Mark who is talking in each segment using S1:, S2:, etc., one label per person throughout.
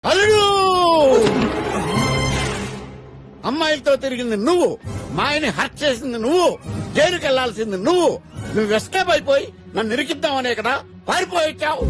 S1: అల్లుడు అమ్మాయిలతో తిరిగింది నువ్వు, మాయని హర్ట్ చేసింది నువ్వు, జైలుకి వెళ్లాల్సింది నువ్వు ఎస్కేప్ అయిపోయి నన్ను ఇరికిద్దామనే కదా పారిపోయిచ్చావు.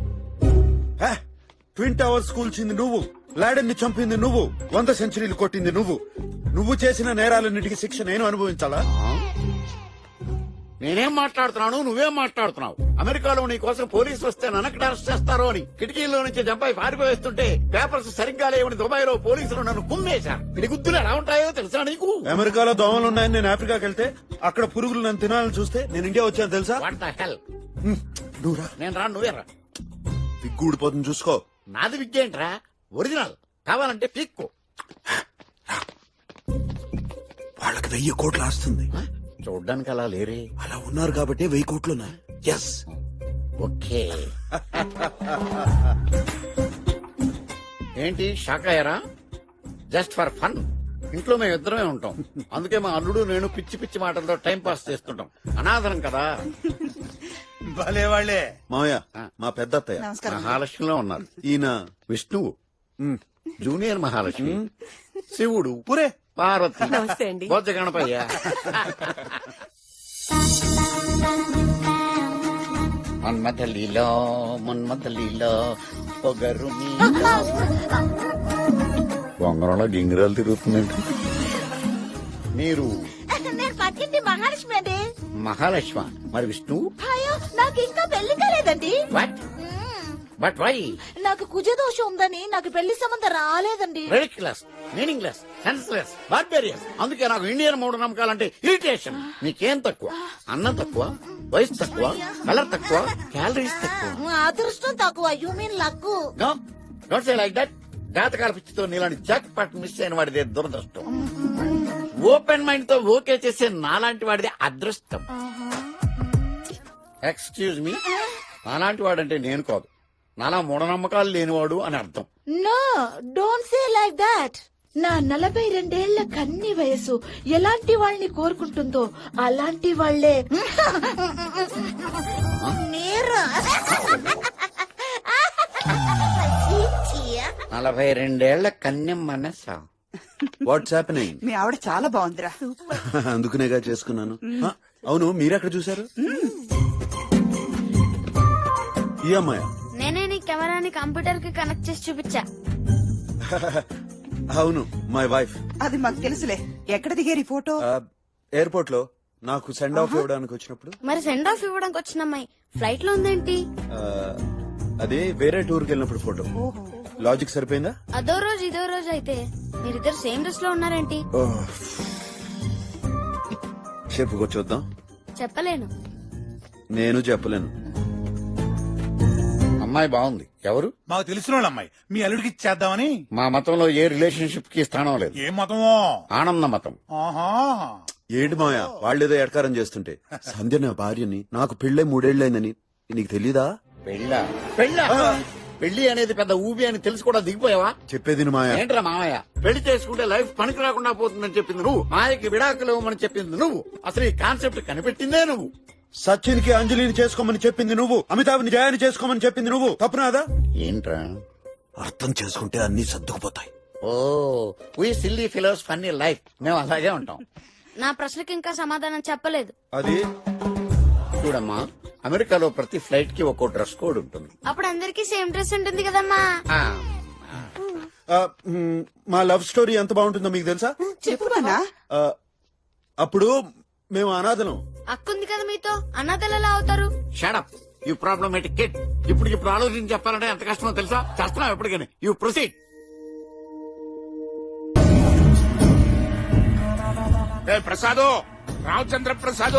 S2: ట్విన్ టవర్స్ కూల్చింది నువ్వు, లాడెన్ ని చంపింది నువ్వు, 100 సెంచరీలు కొట్టింది నువ్వు చేసిన నేరాలన్నిటికీ శిక్ష నేను అనుభవించాలా?
S1: నేనేం మాట్లాడుతున్నాను, నువ్వేం మాట్లాడుతున్నావు? అమెరికాలో నీ కోసం పోలీసులు వస్తే నన్నక్కడ అరెస్ట్ చేస్తారో అని కిటికీల్లో నుంచి జంపాయి పారిపోయేస్తుంటే పేపర్స్ సరిగ్గా లేవని దుబాయ్ లో పోలీసులు నన్ను కుమ్మేశారు. ఇది గుద్దులు ఎలా ఉంటాయో తెలుసా నీకు?
S2: అమెరికాలో దోమలున్నాయని నేను ఆఫ్రికాకి వెళ్తే అక్కడ పురుగులు నన్ను తినాలని చూస్తే నేను ఇండియా వచ్చాను తెలుసా?
S1: What the hell?
S2: నువ్వురా,
S1: నేను రా, నువ్వే రా.
S2: విగ్గూడిపోతుంది చూసుకో.
S1: నాది విద్యేంట్రా, ఒరిజినల్ కావాలంటే పీక్కో.
S2: వాళ్ళకి 1000 కోట్లు ఆస్తుంది.
S1: చూడ్డానికి అలా లేరే.
S2: అలా ఉన్నారు కాబట్టి 1000 కోట్లున్నాయి. Yes,
S1: okay. ఏంటి షాక్ అయ్యారా? Just for fun. ఇంట్లో మేము ఇద్దరమే ఉంటాం, అందుకే మా అల్లుడు నేను పిచ్చి పిచ్చి మాటలతో టైం పాస్ చేస్తుంటాం. అనాథరం కదా.
S3: భలే వాళ్ళే.
S2: మావయ్య మా పెద్ద అత్తయ్య
S1: మహాలక్ష్మిలో ఉన్నారు.
S2: ఈయన
S1: విష్ణువు జూనియర్ మహాలక్ష్మి, శివుడు
S2: పురే
S1: పార్వతి,
S4: నమస్తే అండి.
S1: బొజ్జ గణపయ్య. మన్మథలీలో మన్మథలీలో పొగరు బొంగరంలో గింగిరాలు తిరుగుతుందండి. మీరు
S5: నేను పక్కింటి మహాలక్ష్మి అండి.
S1: మహాలక్ష్మ, మరి విష్ణు?
S5: అయ్యో, నాకు ఇంకా పెళ్లి కాలేదండి.
S1: వాట్? But why?
S5: నాకు కుజదోషం ఉందని నాకు పెళ్లి సంబంధం రాలేదండి.
S1: Ridiculous, meaningless, senseless, barbarous. అందుకే నాకు ఇండియన్ మూఢ నమ్మకాలంటే ఇరిటేషన్. నీకేం తక్కువ? అన్నం తక్కువ, వయసు తక్కువ, కలర్ తక్కువ, క్యాలరీస్ తక్కువ,
S5: అదృష్టం తక్కువ. You mean luck.
S1: Don't say like that. జాతకాల పిచ్చితో నీలాంటి జాక్ పాట్ మిస్ అయిన వాడిదే దురదృష్టం. ఓపెన్ మైండ్ తో ఓకే చేసే నాలాంటి వాడిదే అదృష్టం. ఎక్స్క్యూజ్ మీ, నాలాంటి వాడంటే నేను కాదు, నాలా మూఢనమ్మకాలు లేనివాడు అని అర్థం.
S5: No, don't say like that. నా 42 కన్ని వయసు ఎలాంటి వాళ్ళని కోరుకుంటుందో అలాంటి వాళ్లే మీరు.
S1: 42 కన్యం మనసా.
S2: What's happening?
S4: మీ ఆవిడ చాలా బాగుందిరా.
S2: అందుకునేగా చేసుకున్నాను. అవును, మీరెక్కడ చూశారు? ఈ అమ్మాయ?
S6: నేనే నీ కెమెరాని కంప్యూటర్ కి కనెక్ట్ చేసి చూపించా.
S2: అవును, మై వైఫ్.
S4: అది మాకు తెలుసులే. ఎక్కడ దిగారు ఈ ఫోటో?
S2: ఎయిర్పోర్ట్ లో నాకు సెండ్ ఆఫ్ ఇవ్వడానికి వచ్చినప్పుడు.
S6: మరి సెండ్ ఆఫ్ ఇవ్వడానికి వచ్చిన అమ్మాయి ఫ్లైట్ లో ఉందేంటి?
S2: అదే వేరే టూర్కి వెళ్ళినప్పుడు ఫోటో. లాజిక్ సరిపోయిందా?
S6: అదో రోజు ఇదో రోజు అయితే మీరిద్దరు సేమ్ డ్రెస్ లో ఉన్నారేంటి?
S2: చెప్పుకో చూద్దాం.
S6: చెప్పలేను.
S2: నేను చెప్పలేను.
S1: అమ్మాయి బాగుంది. ఎవరు?
S3: మాకు తెలిసిన వాళ్ళ అమ్మాయి. మీ అల్లుడికి ఇచ్చేద్దామని.
S1: మా మతంలో ఏ రిలేషన్షిప్ కి స్థానం లేదు.
S3: ఏ మతమో?
S1: ఆనంద మతం.
S3: ఆహా,
S2: ఏంటి మాయా వాళ్ళేదో ఎడకారం చేస్తుంటే? సంధ్య నా భార్యని, నాకు పెళ్ళై 3 ఏళ్లైందని నీకు తెలీదా?
S1: పెళ్ళా? పెళ్లి అనేది పెద్ద ఊబి అని తెలిసి కూడా దిగిపోయావా?
S2: చెప్పేది మాయా.
S1: ఏంట్రా మామయ్య, పెళ్లి చేసుకుంటే లైఫ్ పనికి రాకుండా పోతుందని చెప్పింది నువ్వు, మాయకి విడాకులు ఇవ్వమని చెప్పింది నువ్వు, అసలు ఈ కాన్సెప్ట్ కనిపెట్టిందే నువ్వు.
S2: సచిన్ కి అంజలిని చేసుకోమని చెప్పింది నువ్వు, అమితాబ్ని జయాని చేసుకోమని చెప్పింది నువ్వు. తప్పునాదా?
S1: ఏంట్రా?
S2: అర్థం చేసుకుంటే అన్ని సర్దుకుపోతాయి.
S1: Oh, we silly fellows funny life. మేము అలాగే ఉంటాం.
S6: నా ప్రశ్నకి ఇంకా సమాధానం చెప్పలేదు.
S2: అది
S1: చూడమ్మా, అమెరికాలో ప్రతి ఫ్లైట్ కి ఒక్కో డ్రెస్ కోడ్ ఉంటుంది.
S6: అప్పుడు అందరికి సేమ్ డ్రెస్ ఉంటుంది కదమ్మా.
S2: మా లవ్ స్టోరీ ఎంత బాగుంటుందో మీకు తెలుసా?
S4: చెప్పుకోనా?
S2: అప్పుడు మేము అనాథలం.
S6: అక్కుంది కదా మీతో, అన్నదలు ఎలా అవుతారు?
S1: Shut up you problematic kid. ఇప్పుడు ఆలోచించి చెప్పాలంటే ఎంత కష్టమో తెలుసా? చేస్తున్నావు ఎప్పటికైనా. You proceed.
S7: ప్రసాదు, రామచంద్ర ప్రసాదు,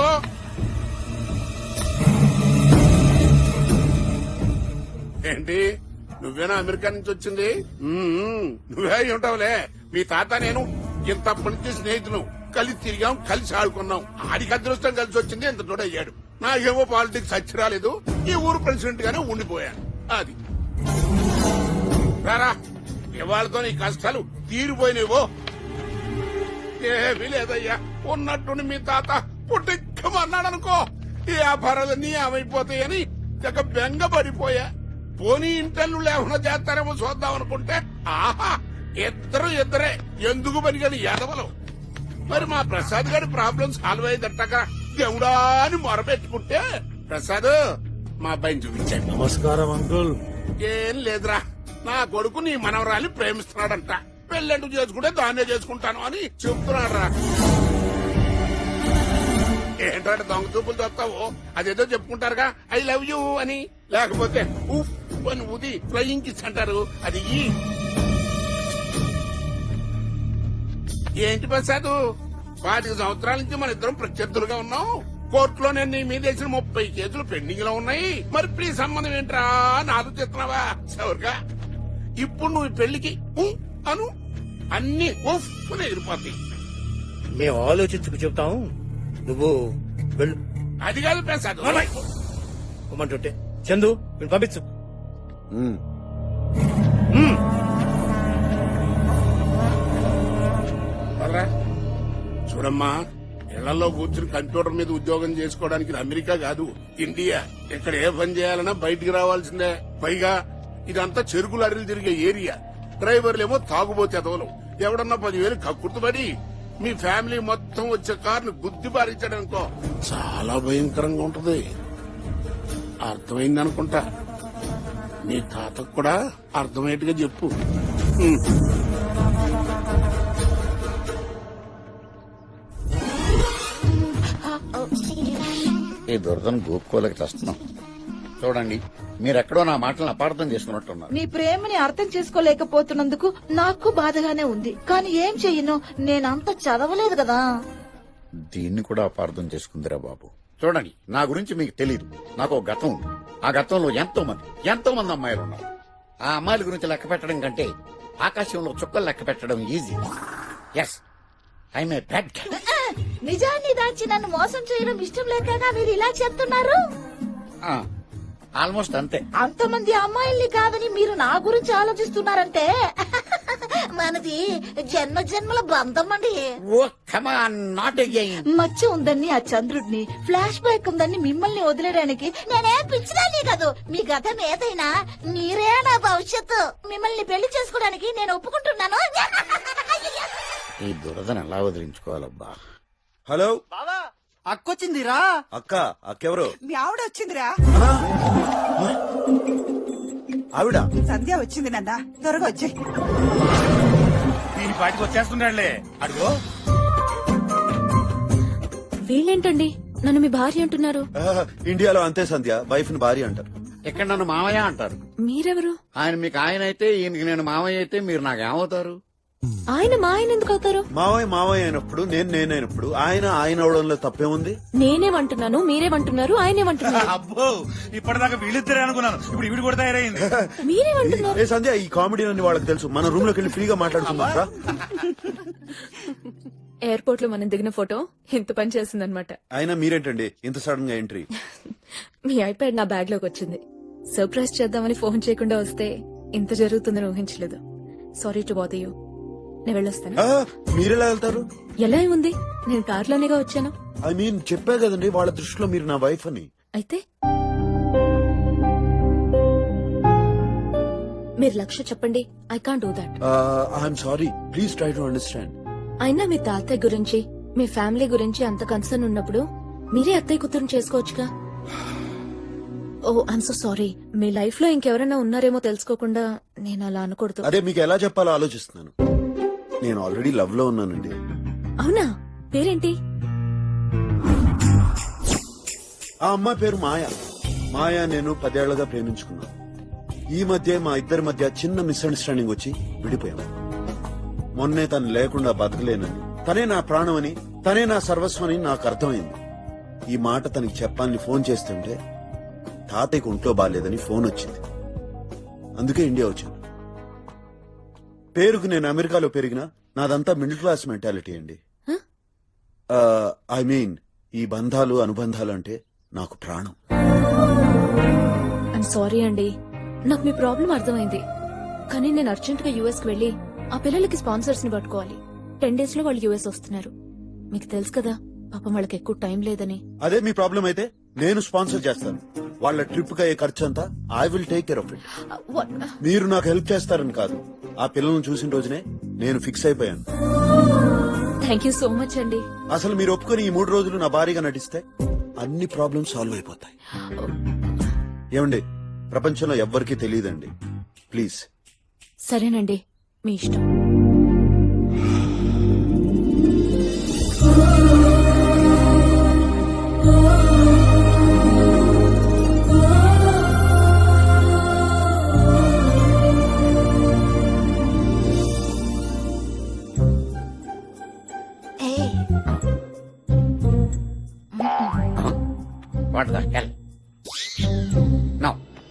S7: ఏంటి నువ్వేనా అమెరికా నుంచి వచ్చింది? నువ్వే ఉంటావులే. మీ తాత నేను ఇంతప్పటి నుంచి స్నేహితులు, కలిసి తిరిగాం, కలిసి ఆడుకున్నాం. ఆడికి అదృష్టం కలిసి వచ్చింది, ఇంత తోడయ్యాడు. నాకేమో పాలిటిక్స్ వచ్చి రాలేదు, ఈ ఊరు ప్రెసిడెంట్ గానే ఉండిపోయాను. అది రారా, ఇవాళతో నీ కష్టాలు తీరిపోయినవో. ఏమీ లేదయ్యా, ఉన్నట్టుండి మీ తాత పుట్టిక్కమన్నాడనుకో, ఈ వ్యాపారాలన్నీ ఏమైపోతాయని బెంగ పడిపోయా. పోనీ ఇంటర్లు లేకుండా చేస్తారేమో చూద్దాం అనుకుంటే ఆహా ఇద్దరే ఎందుకు పనిగని ఎదవలు. మరి మా ప్రసాద్ గారి ప్రాబ్లం సాల్వ్ అయ్యిందట్టక దేవుడా అని మొరపెట్టుకుంటే ప్రసాద్ మా అబ్బాయిని చూపించాడు.
S8: నమస్కారం అంకుల్.
S7: ఏం లేదురా, నా కొడుకు నీ మనవరాలి ప్రేమిస్తున్నాడంట, పెళ్ళంటూ చేసుకుంటే దాన్నే చేసుకుంటాను అని చెప్తున్నాడు రా. ఏంటంటే దొంగ చూపులు చూస్తావు, అదేదో చెప్పుకుంటారుగా ఐ లవ్ యూ అని, లేకపోతే ఉఫ్ అని ఊది ఫ్లయింగ్ కిస్ అంటారు, అది ఏంటి ప్రసాద్ 5 సంవత్సరాల నుంచి మన ఇద్దరం ప్రత్యర్థులుగా ఉన్నాం. కోర్టులో నేను నీ మీద వేసిన 30 కేసులు పెండింగ్ లో ఉన్నాయి. మరి ప్లీజ్ సంబంధం ఏంట్రా అని ఆలోచిస్తున్నావా? సౌరుగా ఇప్పుడు నువ్వు ఈ పెళ్లికి అను అన్ని ఉఫ్ అని ఎగిరిపోతాయి.
S8: మేము ఆలోచించుకు చెప్తాం, నువ్వు వెళ్ళు.
S7: అది కాదు ప్రసాద్,
S8: పొమ్మంటుంటే చందు నేను పంపించు.
S7: వాళ్ళరా, చూడమ్మా, ఇళ్లలో కూర్చుని కంప్యూటర్ మీద ఉద్యోగం చేసుకోవడానికి ఇది అమెరికా కాదు, ఇండియా. ఇక్కడ ఏ పని చేయాలన్నా బయటికి రావాల్సిందే. పైగా ఇదంతా చెరుకు లారీలు తిరిగే ఏరియా. డ్రైవర్లేమో తాగుబోతే ఎదవలు. ఎవడన్నా 10,000 కక్కుర్తుపడి మీ ఫ్యామిలీ మొత్తం వచ్చే కారుని గుద్ది బారించాడనుకో చాలా భయంకరంగా ఉంటది. అర్థమైందనుకుంటా. నీ తాతకు కూడా అర్థమయ్యేట్టుగా చెప్పు.
S1: ఈ దురదను గోపుకోలేక చేస్తున్నాం. చూడండి, మీరెక్కడో నా మాటలను అపార్థం చేసుకున్నట్టున్నారు.
S5: నీ ప్రేమని అర్థం చేసుకోలేకపోతున్నందుకు నాకు బాధగానే ఉంది. కానీ ఏం చెయ్యను, నేనంత చదవలేదు కదా.
S1: దీన్ని కూడా అపార్థం చేసుకుందిరా బాబు. చూడండి, నా గురించి మీకు తెలీదు. నాకు ఒక గతం ఉంది. ఆ గతంలో ఎంతో మంది అమ్మాయిలు ఉన్నారు. ఆ అమ్మాయిల గురించి లెక్క పెట్టడం కంటే ఆకాశంలో చుక్కలు లెక్క పెట్టడం easy. Yes, I'm a bad guy.
S5: నిజాన్ని దాచి నన్ను మోసం చేయడం ఇష్టం లేకగా మీరు ఇలా చెప్తున్నారు.
S1: ఆల్మోస్ట్ అంతే.
S5: అంతమంది అమ్మాయిల్ని కాదని మీరు నా గురించి ఆలోచిస్తున్నారంటే మనది జన్మల బంధం అండి.
S1: Oh come on, not again.
S5: మచ్చ ఉందని ఆ చంద్రుడిని, ఫ్లాష్ బ్యాక్ ఉందని మిమ్మల్ని వదిలేయడానికి నేనేం పిచ్చిదాన్ని కాదు. మీ గతం ఏదైనా మీరే నా భవిష్యత్తు. మిమ్మల్ని పెళ్లి చేసుకోవడానికి నేను ఒప్పుకుంటున్నాను.
S1: ఈ దురదను ఎలా వదిలించుకోవాలబ్బా.
S2: హలో
S9: అక్కొచ్చిందిరా.
S2: అక్కెవరు?
S4: మీ ఆవిడ వచ్చిందిరా.
S2: ఆవిడ
S4: సంధ్య వచ్చింది నాన్న, త్వరగా వచ్చాయి.
S3: ఈ పాటికి వచ్చేస్తున్నాడులే. అడుగో
S6: వీళ్ళేంటండి నన్ను మీ భార్య అంటున్నారు?
S2: ఇండియాలో అంతే సంధ్య, వైఫ్ ని భార్య అంటారు.
S1: ఇక్కడ నన్ను మామయ్య అంటారు.
S6: మీరెవరు?
S1: ఆయన మీకు ఆయన అయితే, ఈయనకి నేను మామయ్య అయితే మీరు నాకేమవుతారు?
S6: ఆయన మా ఆయన ఎందుకు అవుతారు?
S2: మావయ్య అయినప్పుడు నేనైనప్పుడు ఆయన అవడంలో తప్పేముంది?
S6: నేనేమంటున్నాను, మీరేమంటున్నారు, ఆయనేమంటున్నారు.
S3: అబ్బో, ఇప్పటిదాకా వీళ్ళిద్దరే అనుకున్నాను, ఇప్పుడు వీడు కూడా తయారైంది.
S6: మీరేమంటున్నారు?
S2: ఏ సంధ్య, ఈ కామెడీ అన్ని వాళ్ళకి తెలుసు. మన రూమ్ లోకి వెళ్ళి ఫ్రీగా మాట్లాడుకుందాం.
S6: ఎయిర్పోర్ట్ లో మనం దిగిన ఫోటో ఇంత పని చేసిందనమాట.
S2: అయినా మీరేంటండి ఇంత సడన్ గా ఎంట్రీ?
S6: మీ ఐప్యాడ్ నా బ్యాగ్ లోకి వచ్చింది. సర్ప్రైజ్ చేద్దామని ఫోన్ చేయకుండా వస్తే ఇంత జరుగుతుందని ఊహించలేదు. Sorry to bother you. నేను వెళ్ళొస్తాను.
S2: మీరెలా వెళ్తారు?
S6: ఎలా ఉంది, నేను కార్లోనేగా వచ్చాను.
S2: ఐ మీన్ చెప్పా కదండి, వాళ్ళ దృష్టిలో మీరు నా వైఫ్ అని.
S6: అయితే మీరు లక్ష్య చెప్పండి. I can't do that.
S2: I'm sorry, please try to understand.
S6: అయినా మీ తాతయ్య గురించి, మీ ఫ్యామిలీ గురించి అంత కన్సర్న్ ఉన్నప్పుడు మీరే అత్తయ్య కూతురుని చేసుకోవచ్చుగా. Oh I'm so sorry. మీ లైఫ్ లో ఇంకెవరైనా ఉన్నారేమో తెలుసుకోకుండా నేను అలా అనకూడదు.
S2: అదే మీకు ఎలా చెప్పాలో ఆలోచిస్తున్నాను. నేను ఆల్రెడీ లవ్ లో ఉన్నానండి.
S6: అవునా? పేరేంటి?
S2: ఆ అమ్మాయి పేరు మాయా. నేను 10 ఏళ్లుగా ప్రేమించుకున్నాను. ఈ మధ్య మా ఇద్దరి మధ్య చిన్న మిస్అండర్స్టాండింగ్ వచ్చి విడిపోయాము. మొన్నే తను లేకుండా బతకలేనని, తనే నా ప్రాణం అని, తనే నా సర్వస్వం అని నాకు అర్థమైంది. ఈ మాట తనకి చెప్పాలని ఫోన్ చేస్తుంటే తాతయ్యకు ఒంట్లో బాగాలేదని ఫోన్ వచ్చింది. అందుకే ఇండియా వచ్చాను. పేరుకు నేను అమెరికాలో పెరిగినా నాదంతా మిడిల్ క్లాస్ మెంటాలిటీ అండి. ఐ మీన్ ఈ బంధాలు అనుబంధాలు అంటే నాకు ప్రాణం.
S6: ఐఎమ్ సారీ అండి, నాకు మీ ప్రాబ్లం అర్థమైంది. కానీ నేను అర్జెంట్ గా యుఎస్ కి వెళ్లి ఆ పిల్లలకి స్పాన్సర్స్ ని పట్టుకోవాలి. 10 days లో వాళ్ళు యుఎస్ వస్తున్నారు. మీకు తెలుసు కదా, పాపం వాళ్ళకి ఎక్కువ టైం లేదని.
S2: అదే మీ ప్రాబ్లం అయితే నేను స్పాన్సర్ చేస్తాను. వాళ్ళ ట్రిప్ కి అయ్యే ఖర్చు అంతా I will take care of it. మీరు నాకు హెల్ప్ చేస్తారని కాదు, ఆ పిల్లల్ని చూసిన రోజునే నేను ఫిక్స్ అయిపోయాను.
S6: థ్యాంక్ యూ సో మచ్ అండి.
S2: అసలు మీరు ఒప్పుకొని ఈ 3 రోజులు నా భారీగా నటిస్తే అన్ని ప్రాబ్లమ్స్ సాల్వ్ అయిపోతాయి. ఏమండి, ప్రపంచంలో ఎవ్వరికీ తెలియదండి. ప్లీజ్.
S6: సరేనండి, మీ ఇష్టం.
S1: What the hell no.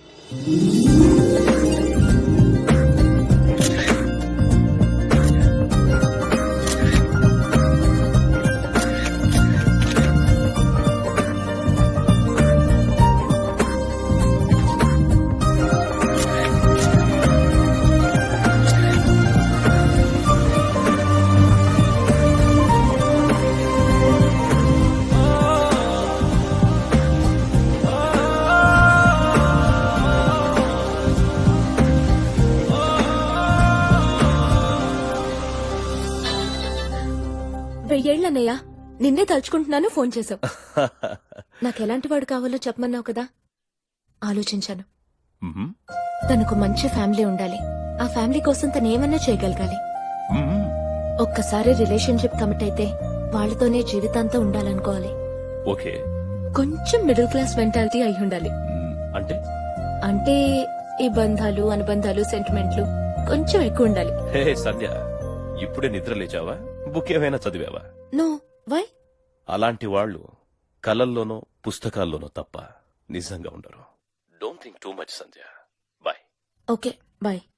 S6: వెయ్యేళ్ళన్నయ్య, నిన్నే తలుచుకుంటున్నాను, ఫోన్ చేశావు. నాకు ఎలాంటి వాడు కావాలో చెప్పమన్నావు కదా, ఆలోచించాను. తనకు మంచి ఫ్యామిలీ ఉండాలి. ఆ ఫ్యామిలీ కోసం తను ఏమన్నా చేయగలగాలి. ఒక్కసారి రిలేషన్షిప్ కమిట్ అయితే వాళ్ళతోనే జీవితాంతం ఉండాలనుకోవాలి.
S10: ఓకే.
S6: కొంచెం మిడిల్ క్లాస్ మెంటాలిటీ అయి ఉండాలి.
S10: అంటే
S6: అంటే ఈ బంధాలు, అనుబంధాలు, సెంటిమెంట్లు కొంచెం ఎక్కువ ఉండాలి.
S10: హే సంధ్య, ఇప్పుడే నిద్ర లేచావా? బుక్ ఏమైనా చదివావా?
S6: No, why?
S10: అలాంటి వాళ్ళు కలల్లోనో పుస్తకాల్లోనో తప్ప నిజంగా ఉండరు. Don't think too much Sandhya. Bye.
S6: Okay, bye.